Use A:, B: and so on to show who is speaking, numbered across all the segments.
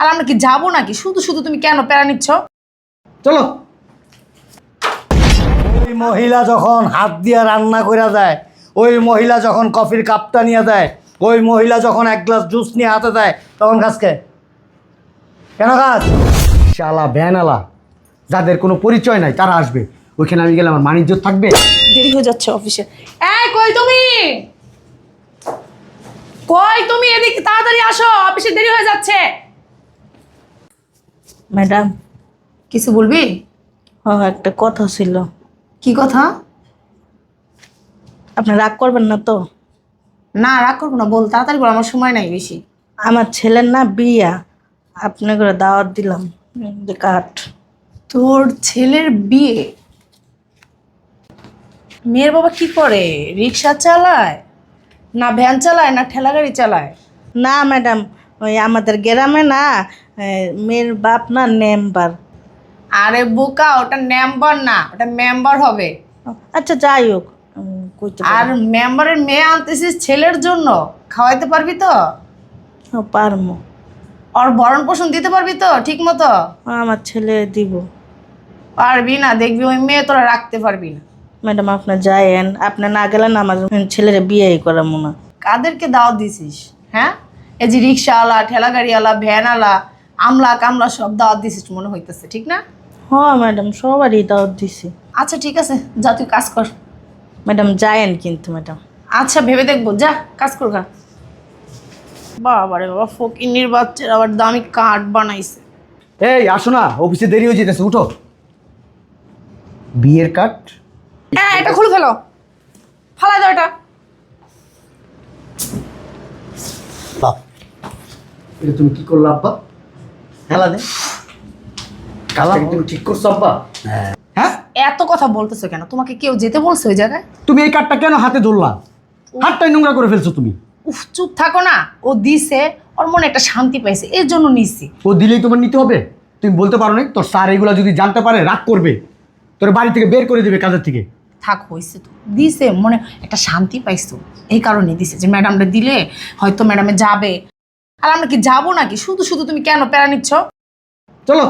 A: আর আমরা কি যাবো নাকি? শুধু শুধু তুমি কেন প্যারা নিচ্ছ?
B: চলো।
C: ওই মহিলা যখন হাত দিয়ে রান্না করে দেয়, ওই মহিলা যখন কফির কাপটা নিয়ে দেয়, ওই মহিলা যখন এক গ্লাস জুস নিয়ে হাতে দেয়, তখন কাজকে কেন কাজ?
B: শালা ভ্যানালা যাদের কোনো পরিচয় নাই তারা আসবে, ওইখানে আমি গেলে আমার মানিজ্য থাকবে?
A: দেরি হয়ে যাচ্ছে অফিসে। এই কই তুমি? কই তুমি? এদিকে তাড়াতাড়ি আসো, অফিসে দেরি হয়ে যাচ্ছে।
D: ম্যাডাম,
A: কিছু বলবি?
D: একটা কথা ছিল।
A: কি কথা?
D: আপনি রাগ করবেন না তো?
A: না, রাগ করবো না, বল তাড়াতাড়ি বল, আমার সময় নাই বেশি।
D: আমার ছেলের না বিয়া, আপনি করে দাওয়াত দিলাম, যে কাঠ।
A: তোর ছেলের বিয়ে? মেয়ের বাবা কি করে? রিক্সা চালায় না ভ্যান চালায় না ঠেলা গাড়ি চালায়?
D: না ম্যাডাম, ওই আমাদের গ্রামে না মেয়ের বাপ না মেম্বার।
A: আরে বোকা, ওটা মেম্বার না, ওটা মেম্বার হবে।
D: আচ্ছা যাই হোক, কইতে
A: আর মেম্বারের মেয়ে আনতেছিস ছেলের জন্য, খাওয়াইতে পারবি তো?
D: পারমো।
A: ওর ভরণ পোষণ দিতে পারবি তো ঠিক মতো?
D: আমার ছেলে দিব।
A: পারবি না, দেখবি ওই মেয়ে তোরা রাখতে পারবি না।
D: ম্যাডাম আপনি যায়েন, আপনি না গেলেন আমার ছেলের বিয়েই করাবো না।
A: কাদেরকে দাওয়াত দিছিস? হ্যাঁ, এই যে রিক্সাওয়ালা, ঠেলা গাড়িওয়ালা, ভ্যানওয়ালা, আমলা কামলা সব দাওয়াত দিছিস মনে হইতেছে, ঠিক না?
D: হ্যাঁ ম্যাডাম, সবারই দাওয়াত দিছি।
A: আচ্ছা ঠিক আছে, যা তুই কাজ কর।
D: ম্যাডাম যায়েন কিন্তু ম্যাডাম।
A: আচ্ছা ভেবে দেখবো, যা কাজ কর গা। বাবারে বাবা, ফকিন্নির বাচ্চার আবার দামি কাঠ বানাইছে।
B: এই আসো না, অফিসে দেরি হয়ে যেতেছে, উঠো। বিয়ের কার্ড?
A: হ্যাঁ, এটা খুলে ফেলো, ফালাই দাও এটা।
C: বাপ,
B: এটা তুমি কি করলো আব্বা?
C: খেলা দে।
B: কাজটাকে তুমি ঠিক করছো আব্বা? হ্যাঁ,
A: এত কথা বলতেছো কেন? তোমাকে কেউ যেতে বলছে ওই জায়গায়?
B: তুমি এই কার্ডটা কেন হাতে ধরলা? হাতটাই নোংরা করে ফেলছো তুমি।
A: উফ, চুপ থাকো না। ও দিছে, ওর মনে একটা শান্তি পাইছে, এর জন্য নিছি।
B: ও দিলেই তোমার নিতে হবে? তুমি বলতে পারো না তোর স্যার এগুলো যদি জানতে পারে রাগ করবে, তোর বাড়ি থেকে বের করে দেবে, কাজের থেকে।
A: থাক, হয়েছে তো, দিছে, মনে একটা শান্তি পাইছো, এই কারণে দিছে যে ম্যাডামটা দিলে হয়তো ম্যাডামে যাবে। আর আমরা কি যাবো নাকি? শুধু শুধু তুমি কেন প্যারা নিচ্ছ?
B: চলো।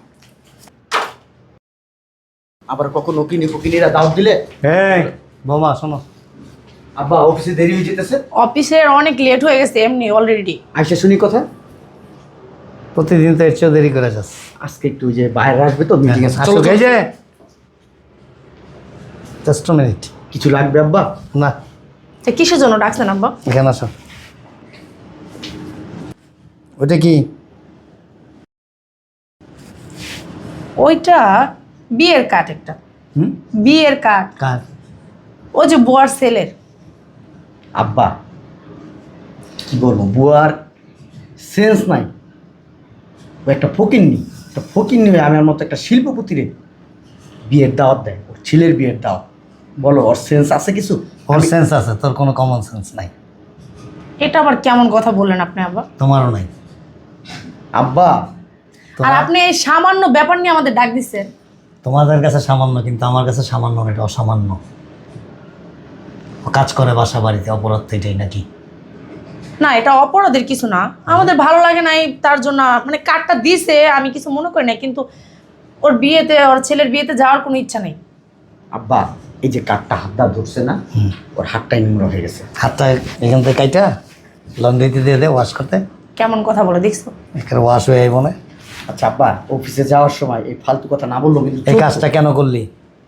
B: আবার কখনো ফকিনিরা দাওয়াত দিলে?
C: এই বোমা শোনো,
B: আব্বা অফিসে দেরি হয়ে যেতেছে।
A: অফিসের অনেক লেট হয়ে গেছে এমনি অলরেডি।
B: আইসা শুনি কথা।
C: প্রতিদিন তো এর চেয়েও দেরি করে যাস।
B: আজকে একটু ওই যে বাইরে আসবে তো মিটিং এ।
C: আসো, এই যে জাস্ট মিনিট।
B: কিছু লাগবে আব্বা?
C: না,
A: তা কিসের জন্য ডাকছেন আব্বা?
C: এখানে আসো। ওটা কি?
A: ওইটা বিয়ের কার্ড, একটা
C: হুম,
A: বিয়ের কার্ড।
C: কার?
A: ও যে বুয়ার ছেলের।
B: আব্বা কি বলবো, বুয়ার সেন্স নাই। ও একটা ফকিন্নি, একটা ফকিন্নি হয়ে আমার মতো একটা শিল্পপতিরে বিয়ের দাওয়াত দেয়, ওর ছেলের বিয়ের দাওয়াত। বলো ওর সেন্স আছে কিছু?
C: ওর সেন্স আছে, তোর কোনো কমন সেন্স নাই।
A: এটা আবার কেমন কথা বললেন আপনি আব্বা?
C: তোমারও নাই।
B: আব্বা
A: আর আপনি এই সামান্য ব্যাপার নিয়ে আমাদের ডাক দিচ্ছেন?
C: তোমাদের কাছে সামান্য, কিন্তু আমার কাছে সামান্য না, এটা অসামান্য। ও কাজ করে বাসা বাড়িতে, অপরাধ তো এটাই নাকি?
A: না, এটা অপরাধের কিছু না, আমাদের ভালো লাগে নাই তার জন্য মানে কার্ডটা দিছে, আমি কিছু মনে করি না, কিন্তু ওর বিয়েতে, ওর ছেলের বিয়েতে যাওয়ার কোনো ইচ্ছা নেই।
B: আব্বা এই যে কাঠটা হাতটা ধরছে না, ওর হাতটাই নোংরা হয়ে গেছে।
C: হাতটা এখান থেকে কাইটা লন্ড্রিতে দিয়ে দে ওয়াশ করতে।
A: কেমন কথা বলে দেখছো?
C: এখানে ওয়াশ হয়ে আইব না।
B: আচ্ছা আব্বা, অফিসে যাওয়ার সময় এই ফালতু কথা না বললো কিন্তু
C: এই কাজটা কেন করলি?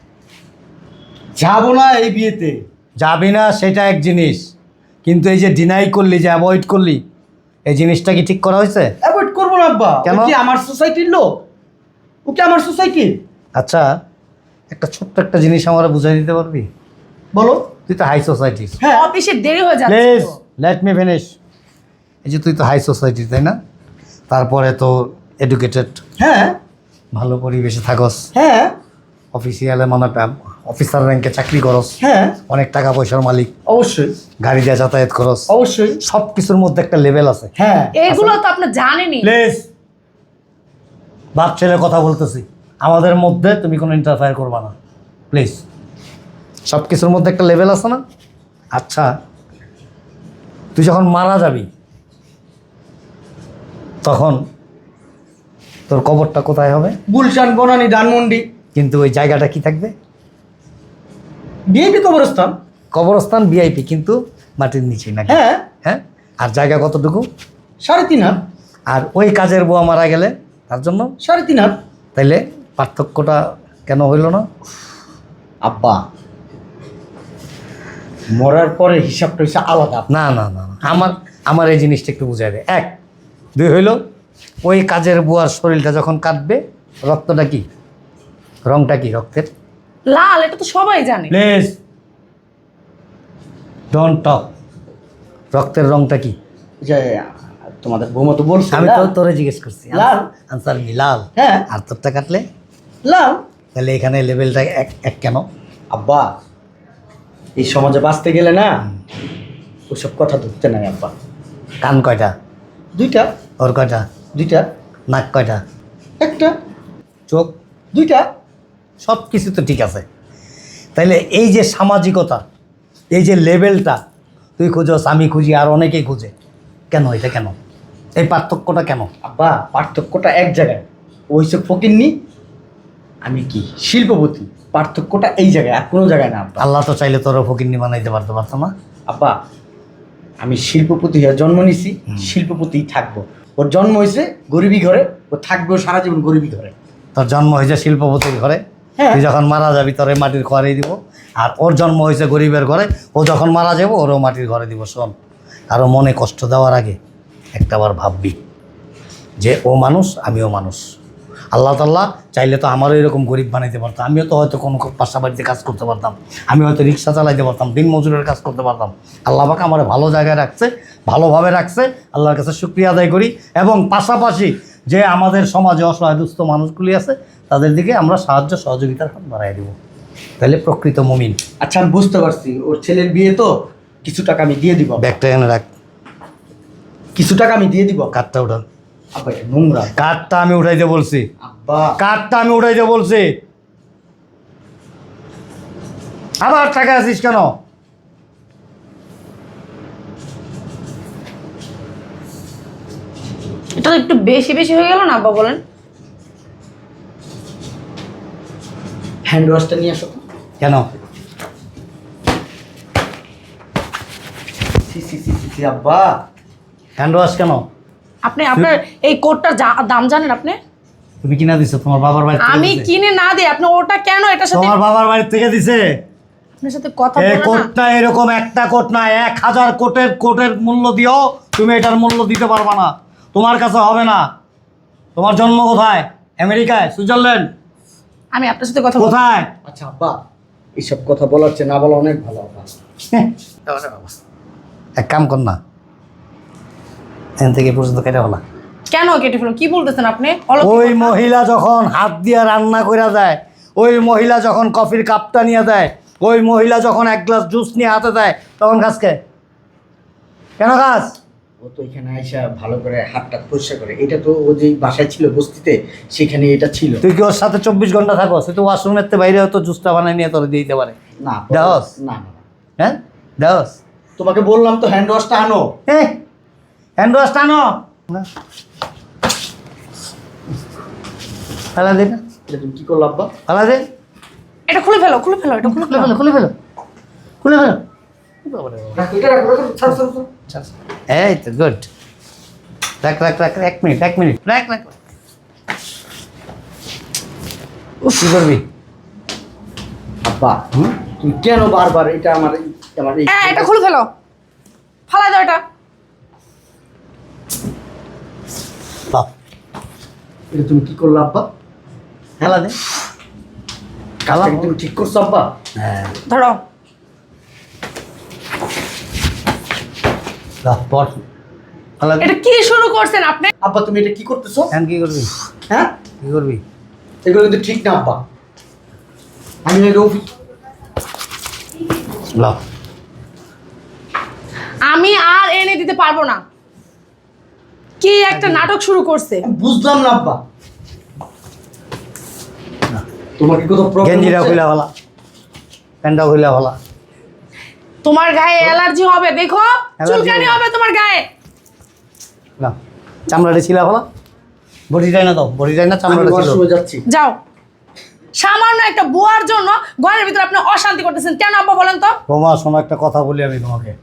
B: যাবো না এই বিয়েতে।
C: যাবি না সেটা এক জিনিস, কিন্তু এই যে ডিনাই করলি, যে অ্যাভয়েড করলি, এই জিনিসটা কি ঠিক করা হয়েছে?
B: অ্যাভয়েড করবো না আব্বা।
C: কেন?
B: ও কি আমার সোসাইটির লোক? ও কি আমার সোসাইটি?
C: আচ্ছা, একটা ছোট্ট একটা জিনিস আমরা বুঝাই দিতে পারবি?
B: বলো।
C: তুই তো হাই সোসাইটি।
B: হ্যাঁ।
A: অফিসে দেরি হয়ে যাচ্ছে
C: প্লিজ
A: তো।
C: Let me finish. এই যে তুই তো হাই সোসাইটি, তাই না? তারপরে তো এডুকেটেড,
B: হ্যাঁ
C: ভালো পরিবেশে থাকস,
B: হ্যাঁ
C: অফিসিয়ালে মানে অফিসার র্যাঙ্কে চাকরি করস,
B: হ্যাঁ
C: অনেক টাকা পয়সার মালিক,
B: অবশ্যই
C: গাড়ি দিয়ে যাতায়াত করস,
B: অবশ্যই।
C: সব কিছুর মধ্যে একটা লেভেল আছে।
B: হ্যাঁ
A: এগুলো তো আপনি জানেনই।
C: প্লিজ, বাপ ছেলে কথা বলতেছি, আমাদের মধ্যে তুমি কোনো ইন্টারফেয়ার করবা না প্লিজ। সব কিছুর মধ্যে একটা লেভেল আছে না? আচ্ছা, তুই যখন মারা যাবি তখন তোর কবরটা কোথায় হবে?
B: গুলশান, বনানী, ধানমন্ডি।
C: কিন্তু ওই জায়গাটা কি থাকবে?
B: বিএপি কবরস্থান।
C: কবরস্থান ভিআইপি, কিন্তু মাটির নিচেই নাকি?
B: হ্যাঁ,
C: হ্যাঁ। আর জায়গা কতটুকু?
B: 3.5 হাত।
C: আর ওই কাজের বুয়া মারা গেলে তার জন্য
B: 3.5 হাত।
C: তাইলে পার্থক্যটা কেন হইল না?
B: আব্বা, মরার পরে হিসাবটা হচ্ছে আলাদা।
C: না না না না, আমার এই জিনিসটা একটু বুঝাই দেয়। 1 2 হইল, ওই কাজের বুয়ার শরীরটা যখন কাটবে, রক্তটা কি, রংটা কি রক্তের?
A: লাল, এটা তো সবাই জানে।
C: Please don't talk. রক্তের রংটা কি?
B: যে তোমাদের বৌমা তো বলছে
C: আমি তো
B: লাল।
C: তোরে জিজ্ঞেস করছি।
B: লাল।
C: আনসার মি লাল।
B: হ্যাঁ।
C: আর তোরটা কাটলে
B: লাল।
C: তাহলে এখানে লেভেলটা এক কেন?
B: আব্বা, এই সমাজে বাঁচতে গেলে না ওসব কথা ধরতে নাই আব্বা।
C: কান কয়টা?
B: 2টা।
C: ওর কয়টা?
B: 2টা।
C: নাক কয়টা?
B: 1টা।
C: চোখ?
B: 2টা।
C: সব কিছু তো ঠিক আছে, তাইলে এই যে সামাজিকতা, এই যে লেভেলটা তুই খুঁজোস, আমি খুঁজি, আর অনেকেই খুঁজে, কেন এটা কেন? এই পার্থক্যটা কেন?
B: আব্বা, পার্থক্যটা এক জায়গায়। ও হচ্ছে ফকিন্নি, আমি কি শিল্পপতি। পার্থক্যটা এই জায়গায়, আর কোনো জায়গায় না আব্বা।
C: আল্লাহ তো চাইলে তোর ফকিন্নি বানাইতে পারতো না?
B: আব্বা, আমি শিল্পপতি হয়ে জন্ম নিছি, শিল্পপতিই থাকবো। ওর জন্ম হয়েছে গরিবী ঘরে, ও থাকবেও সারা জীবন গরিবী ঘরে।
C: তোর জন্ম হয়েছে শিল্পপতির ঘরে,
B: হ্যাঁ।
C: তুই যখন মারা যাবি তোরে মাটির ঘরেই দিব। আর ওর জন্ম হয়েছে গরিবের ঘরে, ও যখন মারা যাবো ওরও মাটির ঘরে দিব। শোন, কারো মনে কষ্ট দেওয়ার আগে একটাবার ভাববি যে ও মানুষ, আমিও মানুষ। আল্লাহ তাআলা চাইলে তো আমারও এরকম গরিব বানাইতে পারতাম। আমিও তো হয়তো কোনো বাসা বাড়িতে কাজ করতে পারতাম, আমি হয়তো রিক্সা চালাইতে পারতাম, দিন মজুরের কাজ করতে পারতাম। আল্লাহ পাক আমার ভালো জায়গায় রাখছে, ভালোভাবে রাখছে, আল্লাহর কাছে শুকরিয়া আদায় করি। এবং পাশাপাশি যে আমাদের সমাজে অসহায় দুস্থ মানুষগুলি আছে, তাদের দিকে আমরা সাহায্য সহযোগিতার হাত বাড়াই দেবো। তাহলে প্রকৃত মুমিন।
B: আচ্ছা, আমি বুঝতে পারছি, ওর ছেলের বিয়ে তো কিছু টাকা আমি দিয়ে দিব।
C: ব্যাগটা এনে রাখ।
B: কিছু টাকা আমি দিয়ে দিব।
C: কাঠটা উঠা।
B: আব্বা, এটা নোংরা।
C: কাঠটা আমি উঠাইতে বলছি,
B: আব্বা,
C: কাঠটা আমি উঠাইতে বলছি। আবার টাকা আছিস কেন?
A: এটা তো একটু বেশি বেশি হয়ে গেল না আব্বা, বলেন?
B: হ্যান্ড ওয়াশটা নিয়ে আসো তো।
C: কেন?
B: সি সি সি সি সি, আব্বা।
C: হ্যান্ড ওয়াশ কেন?
A: আপনি আপনার এই কোটটার দাম জানেন আপনি?
C: তুমি কিনা দিছো তোমার বাবার বাড়ি থেকে?
A: আমি
C: দিছে?
A: কিনে না দিই, আপনি ওটা কেন এটার সাথে?
C: তোমার বাবার বাড়ি থেকে দিছে?
A: আপনার সাথে কথা
C: এই
A: বলে না।
C: কোটটা এরকম একটা কোট না, 1000 কোটের মূল্য দিও, তুমি এটার মূল্য দিতে পারবা না, তোমার কাছে হবে না। তোমার জন্ম কোথায়? আমেরিকায়, সুইজারল্যান্ড?
A: আমি আপনার সাথে কথা বলবো।
C: কোথায়?
B: আচ্ছা আব্বা, এইসব কথা বলার চেয়ে না বলা অনেক ভালো আব্বা।
C: এক কাম কর না, এখান থেকে পর্যন্ত কেটে বলা।
A: কেন কেটে ফেলুন? কি বলতেছেন আপনি?
C: ওই মহিলা যখন হাত দিয়ে রান্না করে দেয়, ওই মহিলা যখন কফির কাপটা নিয়ে দেয়, ওই মহিলা যখন এক গ্লাস জুস নিয়ে হাতে দেয়, তখন খাসকে কেন খাস?
B: ও তো এখানে আইসা ভালো করে হাতটা পরিষ্কার করে। এটা তো ও যে বাসায় ছিল বস্তিতে, সেখানে এটা ছিল।
C: তুই কি ওর সাথে 24 ঘন্টা থাকো? সে তো ওয়াশরুমের বাইরে হয়তো জুসটা বানিয়ে নিয়ে তোর দিয়ে দিতে পারে।
B: না
C: দেওস?
B: না না,
C: হ্যাঁ দেওস?
B: তোমাকে বললাম তো হ্যান্ড ওয়াশটা আনো।
C: হ্যান্ড ওয়াশটা আনো। ফেলা দে না,
B: এটা তুমি কি করলো আব্বা?
C: ফেলা দে।
A: এটা খুলে ফেলো, খুলে ফেলো, এটা খুলে ফেলো।
C: খুলে ফেলো, খুলে ফেলো।
B: রাখো, এটা রাখো, রাখো, ছাড়ো, ছাড়ো, ছাড়ো।
C: এই তো গুড। রাখ রাখ রাখ, 1 মিনিট, 1 মিনিট, রাখ রাখ। কি করবি?
B: আব্বা, তুমি কেন বারবার এটা আমার এই
A: হ্যাঁ, এটা খুলে ফেলো, ফালাই দাও এটা।
C: বাহ,
B: এটা তুমি কি করলো আব্বা?
C: ফেলা দে।
B: কাজটা কি তুমি ঠিক করছো আব্বা?
C: হ্যাঁ,
A: ধরো।
C: বাহ, পর ফেলা দে।
A: এটা কি শুরু করছেন আপনি?
B: আব্বা, তুমি এটা কি করতেছো?
C: এখন কি করবি?
B: হ্যাঁ,
C: কি করবি?
B: এগুলো কিন্তু ঠিক না আব্বা। আমি এই রফিক।
C: লাভ।
A: আমি আর এনে দিতে পারবো না। কি একটা নাটক শুরু করছে।
B: বুঝলাম না আব্বা, তোমার কি কোনো প্রবলেম?
C: গেঞ্জিটা খুলে ফেলা, প্যান্টটা খুলে ফেলা।
A: তোমার গায়ে অ্যালার্জি হবে, দেখো চুলকানি হবে তোমার গায়ে।
C: না, চামড়াটা ছিলা ফেলা, বড়িটাই না দাও, বড়িটাই না
B: আমি
C: চামড়াটা ছিল।
B: ওয়াশরুমে যাচ্ছি।
A: যাও। সামান্য একটা বুয়ার জন্য ঘরের ভিতরে আপনি অশান্তি করতেছেন কেন আব্বা বলেন তো?
C: বৌমা শোনো, একটা কথা বলি আমি তোমাকে।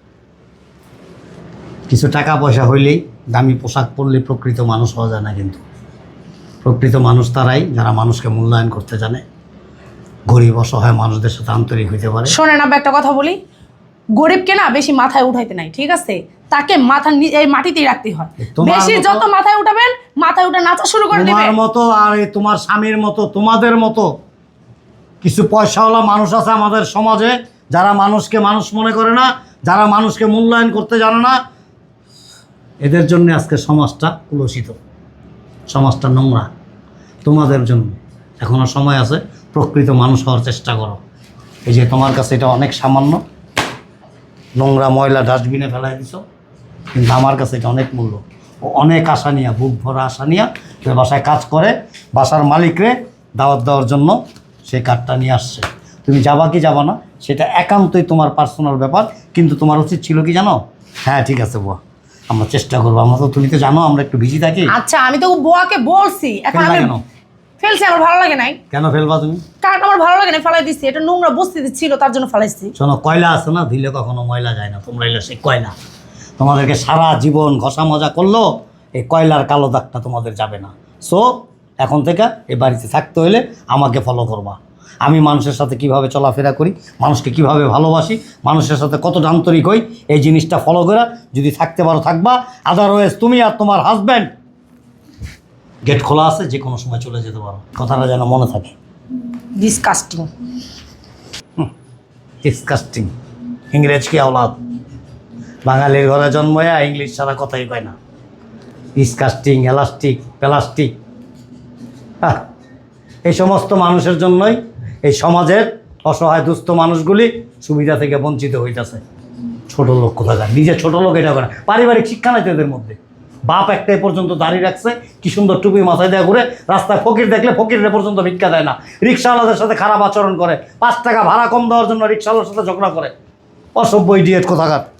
C: কিছু টাকা পয়সা হইলেই, দামি পোশাক পরলেই প্রকৃত মানুষ হওয়া যায় না। কিন্তু প্রকৃত মানুষ তারাই যারা মানুষকে মূল্যায়ন করতে জানে, গরিব অসহায় মানুষদের সাথে আন্তরিক হইতে পারে।
A: শোনেন আব্বা, একটা কথা বলি, গরিবকে না বেশি মাথায় উঠাইতে নাই, ঠিক আছে? তাকে এই মাটিতেই রাখতে হয়।
C: তোমার
A: বেশি
C: মতো-
A: যত মাথায় উঠাবেন, মাথায় উঠে নাচা শুরু করে দিবে।
C: তোমার মতো আর এই তোমার স্বামীর মতো, তোমাদের মতো কিছু পয়সাওয়ালা মানুষ আছে আমাদের সমাজে, যারা মানুষকে মানুষ মনে করে না, যারা মানুষকে মূল্যায়ন করতে জানে না। এদের জন্য আজকে সমাজটা কুলসিত, সমাজটা নোংরা। তোমাদের জন্য এখনো সময় আছে, প্রকৃত মানুষ হওয়ার চেষ্টা করো। এই যে তোমার কাছে এটা অনেক সামান্য, নোংরা ময়লা ডাস্টবিনে ফেলাই দিছ, কিন্তু আমার কাছে এটা অনেক মূল্য। ও অনেক আশা নিয়ে, বুক ভরা আশা নিয়ে সে বাসায় কাজ করে, বাসার মালিকরে দাওয়াত দেওয়ার জন্য সেই কার্ডটা নিয়ে আসছে। তুমি যাবা কি যাবা না সেটা একান্তই তোমার পার্সোনাল ব্যাপার, কিন্তু তোমার উচিত ছিল কি জানো? হ্যাঁ ঠিক আছে বুয়া, আমরা চেষ্টা করবো। আমরা তো, তুমি তো জানো আমরা একটু বিজি থাকি।
A: আচ্ছা, আমি তো বুয়াকে বলছি, এখন
C: ফেললা
A: আমি
C: কেন?
A: ফেলছি, আমার ভালো লাগে নাই।
C: কেন ফেলবা তুমি?
A: কারণ আমার ভালো লাগে না, ফেলাই দিচ্ছি। এটা নোংরা বস্তিতে ছিল, তার জন্য ফেলাইছি।
C: শোনো, কয়লা আছে না, দিলে কখনো ময়লা যায় না। তোমরা এলে সেই কয়লা, তোমাদেরকে সারা জীবন ঘষা মজা করলো, এই কয়লার কালো দাগটা তোমাদের যাবে না। সো এখন থেকে এই বাড়িতে থাকতে হলে আমাকে ফলো করবা। আমি মানুষের সাথে কিভাবে চলাফেরা করি, মানুষকে কিভাবে ভালোবাসি, মানুষের সাথে কতটা আন্তরিক হই, এই জিনিসটা ফলো করে যদি থাকতে পারো থাকবা। আদারওয়াইজ তুমি আর তোমার হাজব্যান্ড গেট খোলা আছে, যে কোনো সময় চলে যেতে পারো। কথাটা যেন মনে থাকে।
A: ডিসকাস্টিং।
C: ডিসকাস্টিং ইংরেজ কি আওলাদ, বাঙালির ঘরে জন্ময়া ইংলিশ ছাড়া কথাই কয় না। Disgusting, elastic, plastic. এই সমস্ত মানুষের জন্যই এই সমাজের অসহায় দুস্থ মানুষগুলি সুবিধা থেকে বঞ্চিত হইতেছে। ছোট লোক কোথাকার, নিজে ছোট লোক এটা করে। পারিবারিক শিক্ষা নাই তো এদের মধ্যে। বাপ একটাই পর্যন্ত দাঁড়িয়ে রাখছে, কি সুন্দর টুপি মাথায় দেওয়া ঘুরে, রাস্তায় ফকির দেখলে ফকিরের পর্যন্ত ভিক্ষা দেয় না, রিক্সাওয়ালাদের সাথে খারাপ আচরণ করে, 5 টাকা ভাড়া কম দেওয়ার জন্য রিক্সাওয়ালার সাথে ঝগড়া করে। অসভ্য ইডিয়েট কোথাকার।